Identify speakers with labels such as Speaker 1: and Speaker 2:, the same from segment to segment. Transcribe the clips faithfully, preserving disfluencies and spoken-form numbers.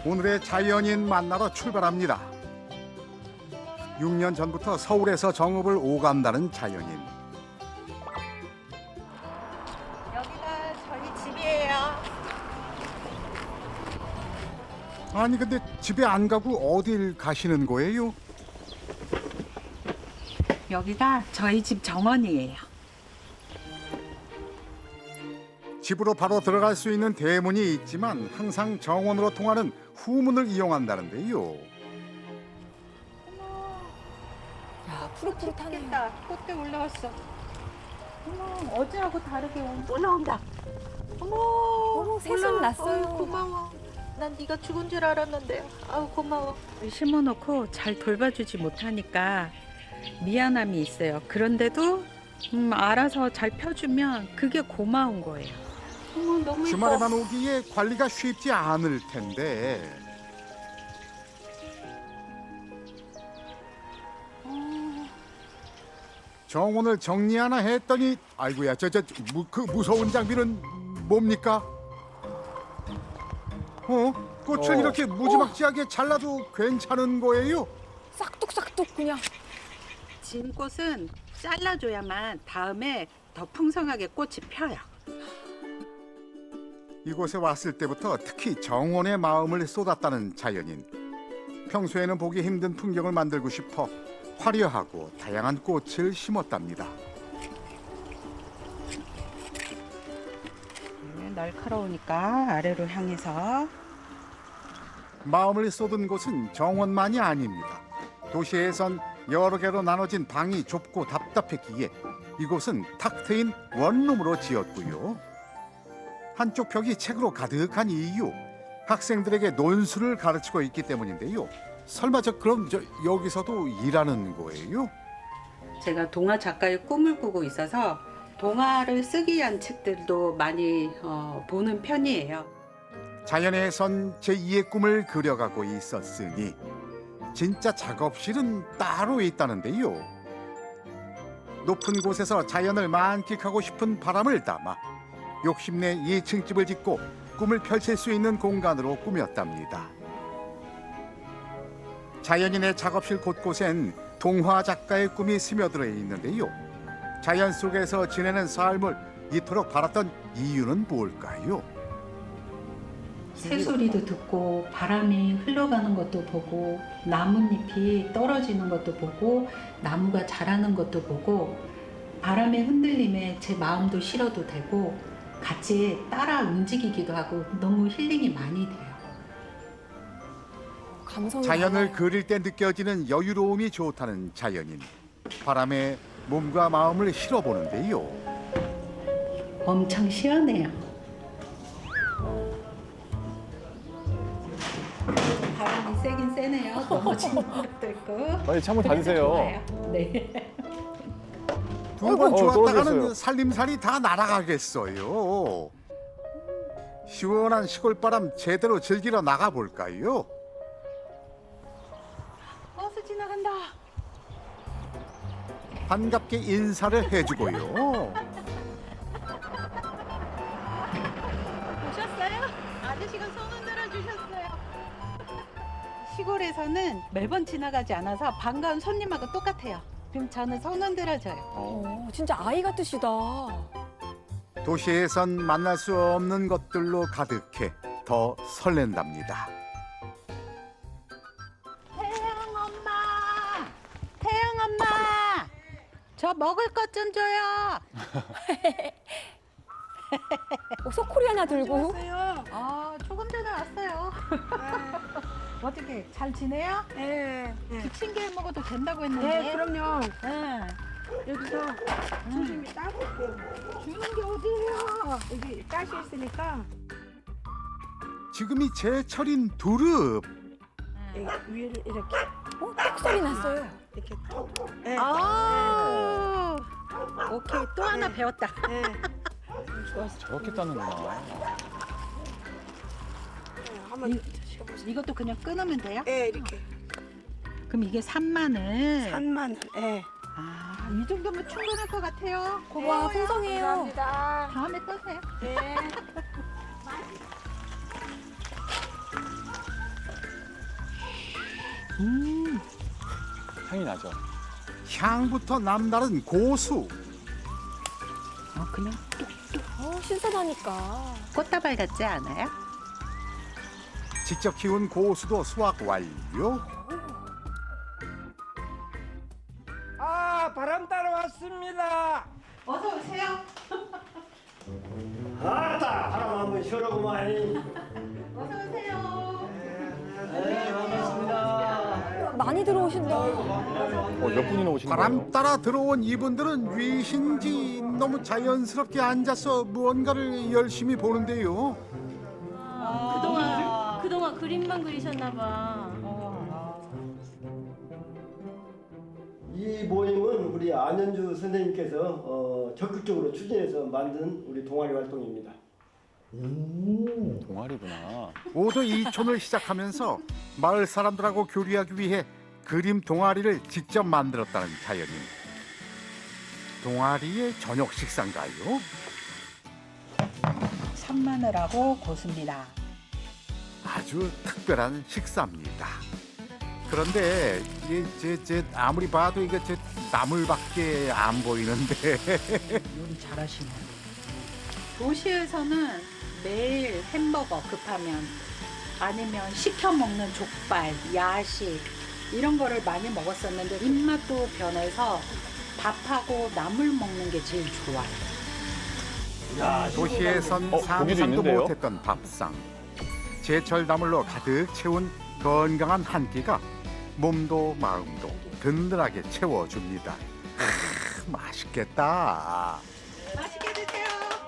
Speaker 1: 오늘의 자연인 만나러 출발합니다. 육 년 전부터 서울에서 정읍을 오간다는 자연인.
Speaker 2: 여기가 저희 집이에요.
Speaker 1: 아니 근데 집에 안 가고 어딜 가시는 거예요?
Speaker 2: 여기가 저희 집 정원이에요.
Speaker 1: 집으로 바로 들어갈 수 있는 대문이 있지만 항상 정원으로 통하는 후문을 이용한다는데요.
Speaker 3: 야, 푸릇푸릇하네.
Speaker 2: 겠다 꽃대 올라왔어. 어머, 어제하고 다르게 올라온다. 어머,
Speaker 3: 어머, 새순
Speaker 2: 올라와.
Speaker 3: 났어요.
Speaker 2: 어이, 고마워. 난 네가 죽은 줄 알았는데. 아우 고마워. 심어놓고 잘 돌봐주지 못하니까 미안함이 있어요. 그런데도 음, 알아서 잘 펴주면 그게 고마운 거예요. 어머, 너무
Speaker 1: 주말에만 오기에 관리가 쉽지 않을 텐데. 정원을 정리하나 했더니 아이고야 저 저 그 무서운 장비는 뭡니까? 어? 꽃을
Speaker 4: 어.
Speaker 1: 이렇게 무지막지하게 잘라도 괜찮은 거예요?
Speaker 3: 싹둑싹둑 그냥.
Speaker 2: 진 꽃은 잘라줘야만 다음에 더 풍성하게 꽃이 펴요.
Speaker 1: 이곳에 왔을 때부터 특히 정원에 마음을 쏟았다는 자연인. 평소에는 보기 힘든 풍경을 만들고 싶어 화려하고 다양한 꽃을 심었답니다.
Speaker 2: 네, 날카로우니까 아래로 향해서.
Speaker 1: 마음을 쏟은 곳은 정원만이 아닙니다. 도시에선 여러 개로 나눠진 방이 좁고 답답했기에 이곳은 탁 트인 원룸으로 지었고요. 한쪽 벽이 책으로 가득한 이유, 학생들에게 논술을 가르치고 있기 때문인데요. 설마 저 그럼 저 여기서도 일하는 거예요?
Speaker 2: 제가 동화 작가의 꿈을 꾸고 있어서 동화를 쓰기 위한 책들도 많이 어, 보는 편이에요.
Speaker 1: 자연에선 제이의 꿈을 그려가고 있었으니 진짜 작업실은 따로 있다는데요. 높은 곳에서 자연을 만끽하고 싶은 바람을 담아 욕심내 이 층 집을 짓고 꿈을 펼칠 수 있는 공간으로 꾸몄답니다. 자연인의 작업실 곳곳엔 동화 작가의 꿈이 스며들어 있는데요. 자연 속에서 지내는 삶을 이토록 바랐던 이유는 뭘까요?
Speaker 2: 새소리도 듣고 바람이 흘러가는 것도 보고 나뭇잎이 떨어지는 것도 보고 나무가 자라는 것도 보고 바람의 흔들림에 제 마음도 실어도 되고 같이 따라 움직이기도 하고 너무 힐링이 많이 돼요.
Speaker 3: 감성이
Speaker 1: 자연을
Speaker 3: 많아요.
Speaker 1: 그릴 때 느껴지는 여유로움이 좋다는 자연인. 바람에 몸과 마음을 실어보는데요.
Speaker 2: 엄청 시원해요. 바람이 세긴 세네요. 넘어지는 것도 있고.
Speaker 4: 빨리 창문 닫으세요.
Speaker 2: 좋아요. 네.
Speaker 1: 두 번
Speaker 4: 어,
Speaker 1: 좋았다가는
Speaker 4: 떨어졌어요.
Speaker 1: 살림살이 다 날아가겠어요. 시원한 시골바람 제대로 즐기러 나가볼까요?
Speaker 2: 버스 지나간다.
Speaker 1: 반갑게 인사를 해주고요.
Speaker 2: 오셨어요? 아저씨가 손 흔들어 주셨어요. 시골에서는 매번 지나가지 않아서 반가운 손님하고 똑같아요. 그럼 저는 손 흔들어줘요.
Speaker 3: 어, 진짜 아이 같으시다.
Speaker 1: 도시에선 만날 수 없는 것들로 가득해 더 설렌답니다.
Speaker 2: 태양 엄마! 태양 엄마! 저 먹을 것 좀 줘요.
Speaker 3: 어, 소쿠리 하나 들고.
Speaker 2: 아, 조금 전에 왔어요. 어떻게 잘 지내요?
Speaker 5: 네, 네.
Speaker 2: 기침개 먹어도 된다고 했는데.
Speaker 5: 네, 그럼요.
Speaker 2: 네.
Speaker 5: 여기서 조심히 따고 올게요.
Speaker 2: 주는 게 어디예요?
Speaker 5: 여기 가시 있으니까
Speaker 1: 지금이 제철인 두릅.
Speaker 5: 여기 위를 이렇게
Speaker 3: 어, 톡 소리 났어요.
Speaker 5: 이렇게 톡. 네.
Speaker 2: 아, 오케이 또 하나 배웠다.
Speaker 5: 네. 좀 좋았어.
Speaker 4: 저렇게 따는구나.
Speaker 5: 네, 한번 드셔보세요.
Speaker 2: 이것도 그냥 끊으면 돼요?
Speaker 5: 네, 이렇게
Speaker 2: 그럼 이게 삼마늘.
Speaker 5: 산마늘. 네.
Speaker 2: 아, 이 정도면 충분할 것 같아요.
Speaker 3: 와,
Speaker 2: 고마워요.
Speaker 3: 풍성해요.
Speaker 5: 감사합니다.
Speaker 2: 다음에 또 세요.
Speaker 5: 네.
Speaker 4: 향이 나죠.
Speaker 1: 향부터 남다른 고수.
Speaker 2: 아, 그냥
Speaker 3: 어, 신선하니까.
Speaker 2: 꽃다발 같지 않아요?
Speaker 1: 직접 키운 고수도 수확 완료.
Speaker 6: 아, 바람 따러 왔습니다.
Speaker 2: 어서 오세요.
Speaker 6: 아따, 바람 한번 쉬어라고만.
Speaker 2: 어서 오세요.
Speaker 6: 네, 반갑습니다.
Speaker 3: 많이 들어오신다.
Speaker 4: 어, 몇 분이나 오신 거예요?
Speaker 1: 바람 따라 들어온 이분들은 위신지 너무 자연스럽게 앉아서 무언가를 열심히 보는데요.
Speaker 7: 그동안 그동안 그림만 그리셨나 봐.
Speaker 8: 이 모임은 우리 안현주 선생님께서 어, 적극적으로 추진해서 만든 우리 동아리 활동입니다.
Speaker 4: 동아리구나.
Speaker 1: 오도 이촌을 시작하면서 마을 사람들하고 교류하기 위해 그림 동아리를 직접 만들었다는 자연인. 동아리의 저녁 식사인가요?
Speaker 2: 산마늘하고 고수입니다.
Speaker 1: 아주 특별한 식사입니다. 그런데 이게 제, 제 아무리 봐도 이게 제 나물밖에 안 보이는데
Speaker 2: 요리 잘하시네요. 도시에서는 매일 햄버거 급하면 아니면 시켜 먹는 족발, 야식 이런 거를 많이 먹었었는데 입맛도 변해서 밥하고 나물 먹는 게 제일 좋아요.
Speaker 1: 도시에선
Speaker 4: 어, 고기도
Speaker 1: 상상도
Speaker 4: 있는데요?
Speaker 1: 못했던 밥상. 제철 나물로 가득 채운 건강한 한 끼가 몸도 마음도 든든하게 채워줍니다. 아, 맛있겠다.
Speaker 2: 맛있게 드세요.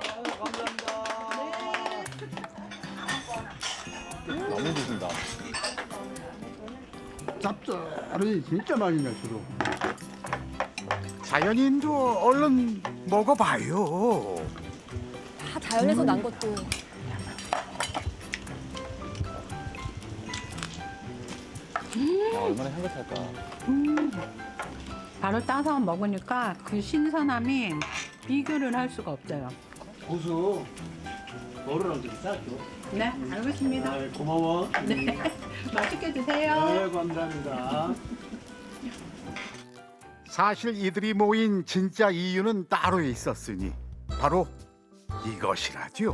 Speaker 4: 너무 드신다.
Speaker 9: 짭짤하니 진짜 맛있네 주로.
Speaker 1: 자연인도 얼른 먹어봐요.
Speaker 3: 다 자연에서 난 것도.
Speaker 4: 야, 얼마나 향긋할까.
Speaker 2: 바로 따서 먹으니까 그 신선함이 비교를 할 수가 없어요.
Speaker 9: 고수 너를 좀 싸줘.
Speaker 2: 네, 알겠습니다.
Speaker 9: 아, 고마워.
Speaker 2: 네, 맛있게 드세요.
Speaker 9: 네, 감사합니다.
Speaker 1: 사실 이들이 모인 진짜 이유는 따로 있었으니 바로 이것이라죠.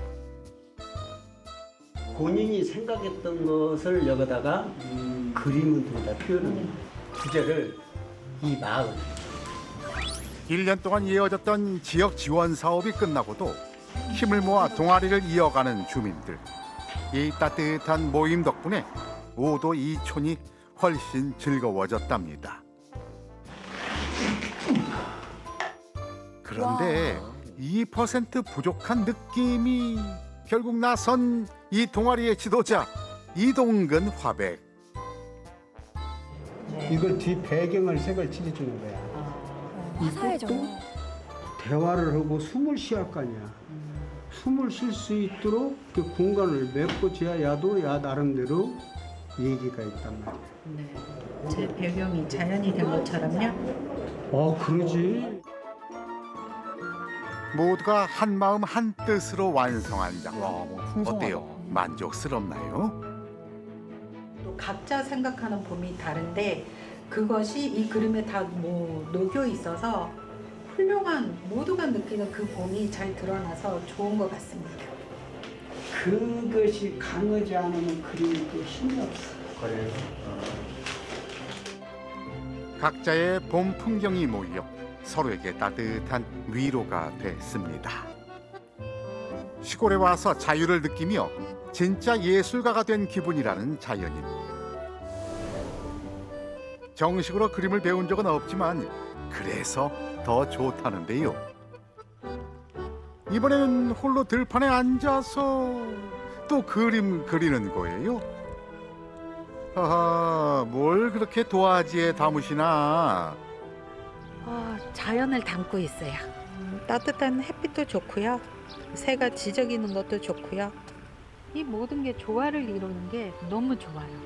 Speaker 10: 본인이 생각했던 것을 여기다가 그림으로 다 표현을 주제를 이 마을
Speaker 1: 일 년 동안 이어졌던 지역 지원 사업이 끝나고도 힘을 모아 동아리를 이어가는 주민들. 이 따뜻한 모임 덕분에 오도 이촌이 훨씬 즐거워졌답니다. 그런데 이 퍼센트 부족한 느낌이 결국 나선 이 동아리의 지도자 이동근 화백.
Speaker 9: 이걸 뒤 배경을 색을 칠해주는 거야.
Speaker 3: 화사해져.
Speaker 9: 대화를 하고 숨을 쉬할 거 아니야. 숨을 쉴 수 있도록 그 공간을 메꿔줘야 야도 야 나름대로 얘기가 있단 말이야.
Speaker 2: 네, 제 배경이 자연이 된 것처럼요.
Speaker 9: 어, 그러지.
Speaker 1: 모두가 한 마음 한 뜻으로 완성한 작품.
Speaker 4: 와, 뭐 풍성하다.
Speaker 1: 어때요? 만족스럽나요?
Speaker 2: 또 각자 생각하는 봄이 다른데 그것이 이 그림에 다 뭐 녹여 있어서 훌륭한 모두가 느끼는 그 봄이 잘 드러나서 좋은 것 같습니다.
Speaker 9: 그것이 강하지 않으면 그림이 또 힘이 없어.
Speaker 10: 그래.
Speaker 1: 각자의 봄 풍경이 모여 서로에게 따뜻한 위로가 됐습니다. 시골에 와서 자유를 느끼며 진짜 예술가가 된 기분이라는 자연인. 정식으로 그림을 배운 적은 없지만 그래서 더 좋다는데요. 이번에는 홀로 들판에 앉아서 또 그림 그리는 거예요. 하하, 뭘 그렇게 도화지에 담으시나?
Speaker 2: 어, 자연을 담고 있어요. 따뜻한 햇빛도 좋고요. 새가 지저귀는 것도 좋고요. 이 모든 게 조화를 이루는 게 너무 좋아요.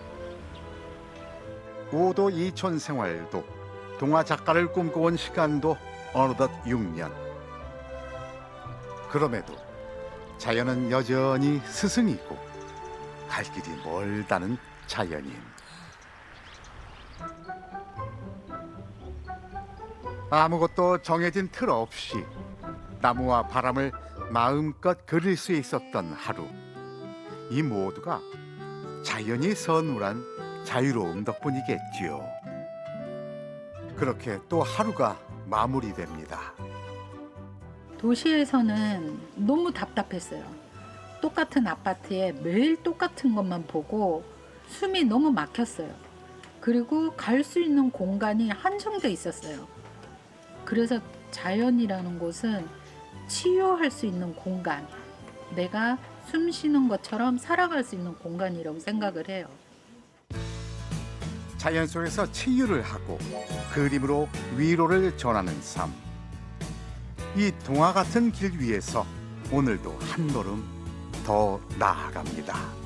Speaker 1: 오도 이촌 생활도 동화 작가를 꿈꿔온 시간도 어느덧 육 년. 그럼에도 자연은 여전히 스승이고 갈 길이 멀다는 자연인. 아무것도 정해진 틀 없이 나무와 바람을 마음껏 그릴 수 있었던 하루. 이 모두가 자연이 선물한 자유로움 덕분이겠지요. 그렇게 또 하루가 마무리됩니다.
Speaker 2: 도시에서는 너무 답답했어요. 똑같은 아파트에 매일 똑같은 것만 보고 숨이 너무 막혔어요. 그리고 갈 수 있는 공간이 한정돼 있었어요. 그래서 자연이라는 곳은 치유할 수 있는 공간, 내가 숨 쉬는 것처럼 살아갈 수 있는 공간이라고 생각을 해요.
Speaker 1: 자연 속에서 치유를 하고 그림으로 위로를 전하는 삶. 이 동화 같은 길 위에서 오늘도 한 걸음 더 나아갑니다.